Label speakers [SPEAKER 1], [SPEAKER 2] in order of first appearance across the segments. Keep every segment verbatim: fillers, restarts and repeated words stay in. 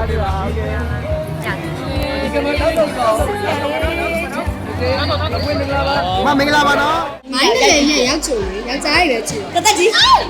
[SPEAKER 1] ဒီပါโอเคဒီကမတော့တော့တော့โอเคမပွင့်မင်္ဂလာပါမမင်္ဂလာပါနော်
[SPEAKER 2] မိုင်းနဲ့နဲ့ရောက်ချိုလေယောက်ျားကြီးပဲချိုတသက်ကြီး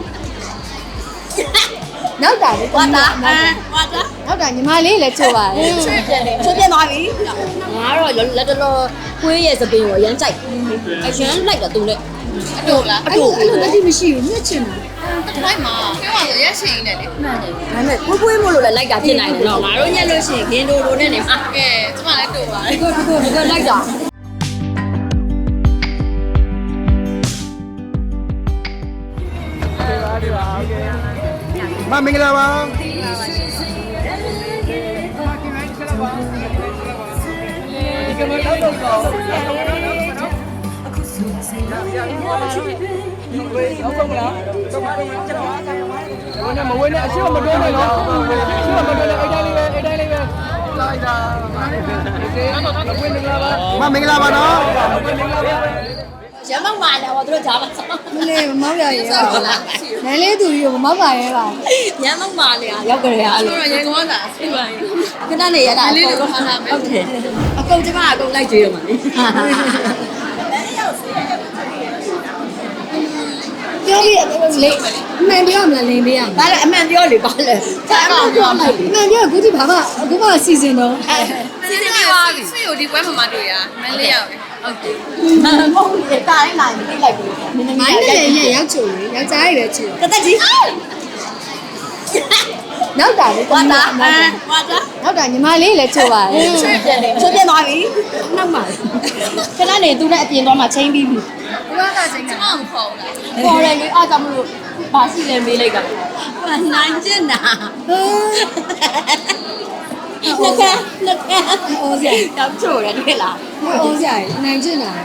[SPEAKER 2] နောက်တာလေဝါတာအဲဝါတာနောက်တာညီမလေးလည်းချိုပါတယ်ချိုပြတယ်ချိုပြသွားပြီငါကတော့လက်တော်ကွေးရဲ့စပင်းကိုရမ်းကြိုက်အရမ်းလိုက်တော့သူနဲ့အတူလားအတူအဲ့လိုလက်ကြီးမရှိဘူးညက်ချင်တာတစ်ထိုက်မှာပြောရရက်ရှင်နေတယ်မှန်တယ်ဒါပေမဲ့ကွေးကွေးမို့လို့လည်းလိုက်တာဖြစ်နိုင်တယ်နော်ငါတို့ညက်လို့ရှိရင်ဂင်းဒိုဒိုနဲ့နေမှာကဲကျမလည်းတူပါတယ်ဒီကိုဒီကိုဒီကိုလိုက်တာ
[SPEAKER 1] ဒီပါโอเคမမင်္ဂလာပါဒီကမတော့တော့တော့ဝေးရောက်ပါမလားတော့ပါတော့ကျွန်တော်ဝင်းနဲ့မဝင်းနဲ့အရှိမတွန်းနဲ့နော်အရှိမတွန်းနဲ့အဲ့တိုင်းလေးပဲအဲ့တိုင်းလေးပဲလိုက်တာโอเคဝင်းမင်္ဂလာပါမမင်္ဂလာပါနော်ဝင်းမင်္ဂလာပါ
[SPEAKER 2] ရမ်းမောက်ပါလေဟောတို့ကြားမှာမလေးမမောက်ရရဲပါလားနည်းလေးသူကြီးကိုမမောက်ပါရဲပါရမ်းမောက်ပါလေရောက်ကြရအဲ့လိုတော့ရေကောင်းတာသိပါရင်ခဏနေရတာအကုန်လုံးထားတာဟုတ်တယ်အကုန်ကျမအကုန်လိုက်ကြွေးရမှာလေပြောပြလေအမှန်ပြောမလားလိန်ပေးရမှာဒါလည်းအမှန်ပြောလေပါလေဒါအမှန်ပြောလိုက်အမှန်ပြောအခုဒီဘာမှအခုမှစီစဉ်တော့စီစဉ်ပြီးသွားပြီဆွေကိုဒီပွဲမှာမတွေ့ရမန်းလေးရောက်ပဲဟုတ်တယ်မဟုတ်လေတားလိုက်လာပြီးလိုက်ပြီမိုင်းနဲ့နဲ့ရောက်ချိုလေယောက်ျားကြီးပဲချိုတသက်ကြီးနောက်တာလေဝါတာအဲဝါတာနောက်တာညီမလေးလည်းချိုပါတယ်ချိုပြတယ်ချိုပြသွားပြီနောက်မှာခဏနေသူနဲ့အပြင်သွားမှချင်းပြီးပြီဘုရားသာချင်းကမခေါ်ဘူးလားခေါ်တယ်လေအားကြောင့်မလို့ဘာရှိလဲမေးလိုက်တာဟိုနိုင်ကျင်တာဟိုနကနကအိုးစရာတောက်ချိုတယ်တွေ့လားအိုးစရာနိုင်ကျင်တာ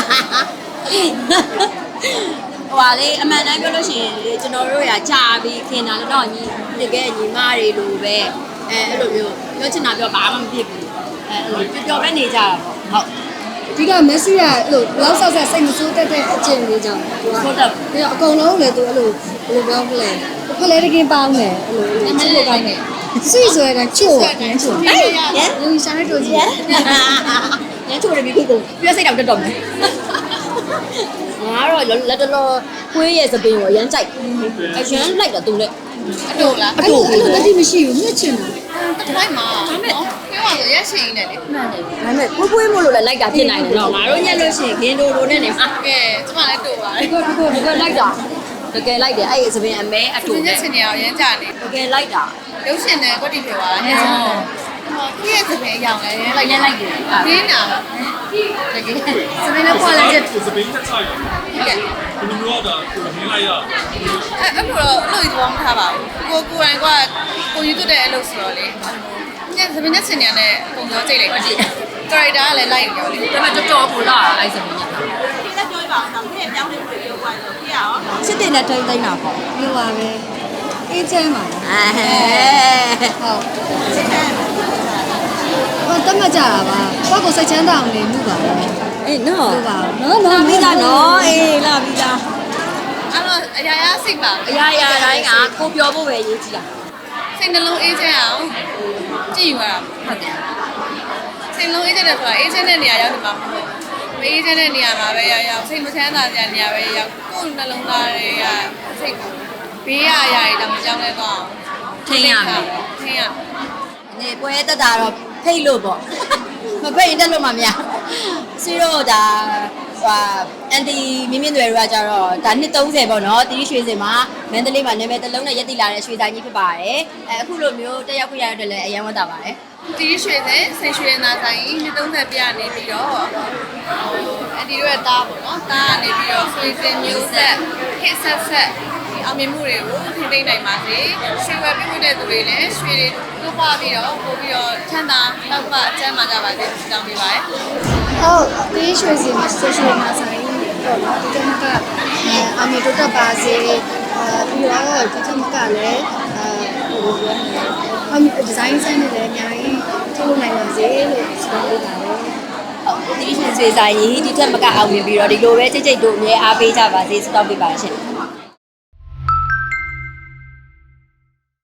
[SPEAKER 2] ဟိုပါလေအမှန်တမ်းပြောလို့ရှိရင်ကျွန်တော်တို့ရာကြာပြီးခင်တာလည်းတော့ညီတကယ်ညီမတွေလိုပဲအဲအဲ့လိုမျိုးပြောချင်တာပြောဘာမှမဖြစ်ဘူးအဲအဲ့လိုပျော်ပဲနေကြတာပေါ့ဟုတ်ဒီကမက်ဆီကအဲ့လိုဘလောက်ဆောက်ဆက်စိတ်မဆိုးတတ်တဲ့အကျင့်လေးကြောင့်သူကဟုတ်တယ်ပြီးတော့အကုန်လုံးလည်းသူအဲ့လိုဘယ်လိုပြောမလဲဖလဲတကင်းပေါင်းတယ်အဲ့လိုချစ်လို့ကောင်းတယ်ဆွေဆွဲတာချို့တယ်ချို့ဟဲ့လူရှာနေတို့ကြီးညချို့တယ်ပြီးခုကိုပြည့်စိတ်တော့တက်တော့မယ်ငါတော့လက်တော်ကွေးရဲ့စပင်းကိုရမ်းကြိုက်အရမ်းလိုက်တော့သူနဲ့အတူလားအတူအဲ့လိုလက်ကြီးမရှိဘူးညက်ချင်တာတစ်ထိုက်မှာနော်ပြောရရက်ရှင်နေတယ်မှန်တယ်ဒါပေမဲ့ကွေးကွေးမို့လို့လည်းလိုက်တာဖြစ်နိုင်တယ်နော်ငါတို့ညက်လို့ရှိရင်ဂင်းဒိုဒိုနဲ့နေမှာကဲကျမလည်းတူပါတယ်ဒီကိုဒီကိုဒီကိုလိုက်တာတကယ်လိုက်တယ်အဲ့ဒီစပင်းအမဲအတူညက်ချင်နေအောင်ရမ်းကြတယ်တကယ်လိုက်တာရုပ်ရှင်နဲ့ကွက်တီဖြစ်သွားတာညက်ချင်တယ်ဟောပြည့်စပင်းအရောင်လည်းလိုက်ရလိုက်တယ်ခင်းတာတကယ်စပင်းနဲ့ပွားလိုက်တဲ့
[SPEAKER 3] စပင်းတက်ဆိုင်ဟုတ်ကဲ့ဒီလိုမျိုးတော့ကိုရင်းလိုက်ရ
[SPEAKER 2] အဲ့အဲ့လိုတော့အဲ့လိုတော့မထားပါဘူးကိုကိုယ်တိုင်ကကိုယူသွတဲ့အလုပ်ဆိုတော့လေညစပင်းနဲ့ဆင်နေရတဲ့ပုံစံကြိတ်လိုက်ကြည့်ကာရိုက်တာကလည်းလိုက်ပြောလေဒါပေမဲ့တော်တော်ကိုလာအဲ့စပင်းနဲ့လက်ပြောပါအောင်တော့ဒီပြောင်းနေလို့ပြောသွားတော့ပြရအောင်စစ်တင်နဲ့ထိမ့်သိမ့်တာပေါ့ပြောပါပဲအေးချမ်းပါအဲဟုတ်စစ်ချမ်းဟောတတ်မှတ်ကြတာပါကိုကိုစိတ်ချမ်းသာအောင်နေမှုပါအေးနော်ဟုတ်ပါနော်နော်ပြီးသားနော်အေးလာပြီးသားအဲ့တော့အရာရာစိတ်ပါအရာရာတိုင်းကကိုပြောဖို့ပဲရေးကြည့်တာစိတ်နှလုံးအေးချမ်းအောင်ကြည့်ယူရတာဟုတ်တယ်စိတ်နှလုံးအေးချမ်းတယ်ဆိုတာအေးချမ်းတဲ့နေရာရောက်တယ်မှာမဟုတ်ဘူးအေးချမ်းတဲ့နေရာမှာပဲရောက်ရောက်စိတ်မချမ်းသာတဲ့နေရာပဲရောက်ကိုယ်နှလုံးသားတွေကစိတ်ဘေးရအရာတွေတော့မကြောက်လဲတော့ထိန်းရမယ်ထိန်းရနေပွဲတက်တာတော့ဖိတ်လို့ပေါ့မဖိတ်ရင်တက်လို့မှမရစီတော့ဒါဟိုအန်တီမင်းမင်းတွေတွေကကြတော့ဒါနှစ်သုံးဆယ်ပေါ့နော်တီးရွှေစင်မှာမန္တလေးမှာနာမည်တစ်လုံးနဲ့ရက်တိလာတဲ့ရွှေဆိုင်ကြီးဖြစ်ပါတယ်အဲအခုလိုမျိုးတက်ရောက်ခွင့်ရတဲ့လည်းအရင်ဝတ်တာပါတယ်တီးရွှေစင်ဆိတ်ရွှေနာဆိုင်နှစ်သုံးဆယ်ပြနေပြီးတော့ဟိုအန်တီတို့ရဲ့တားပေါ့နော်တားကနေပြီးတော့ရွှေစင်မျိုးဆက်ဟစ်ဆက်ဆက်အောင်မြင်မှုတွေကိုထိသိနိုင်ပါစေရွှေဝယ်ပြမှုတဲ့သူတွေလည်းရွှေတွေတိုးပွားပြီးတော့ပို့ပြီးတော့ချမ်းသာတောက်ပအကျမ်းမာကြပါစေတောင်းပေးပါရစေဟုတ်ဒီရွှေစီမှာဆွေးနွေးမှာဆိုင်တော့နော်ဒီကနေ့ကအမေတို့တက်ပါစေပြီးတော့ဒီကနေ့ကလည်းအဲဟိုပြောနေအမေဒီဇိုင်းဆန်းတွေလည်းအများကြီးထုတ်လုပ်နိုင်ပါစေလို့ဆုတောင်းပေးပါတယ်ဒီရွှေစီဆိုင်ကြီးဒီထက်မကအောင်မြင်ပြီးတော့ဒီလိုပဲကြိတ်ကြိတ်တို့အများအားပေးကြပါစေဆုတောင်းပေးပါရှင်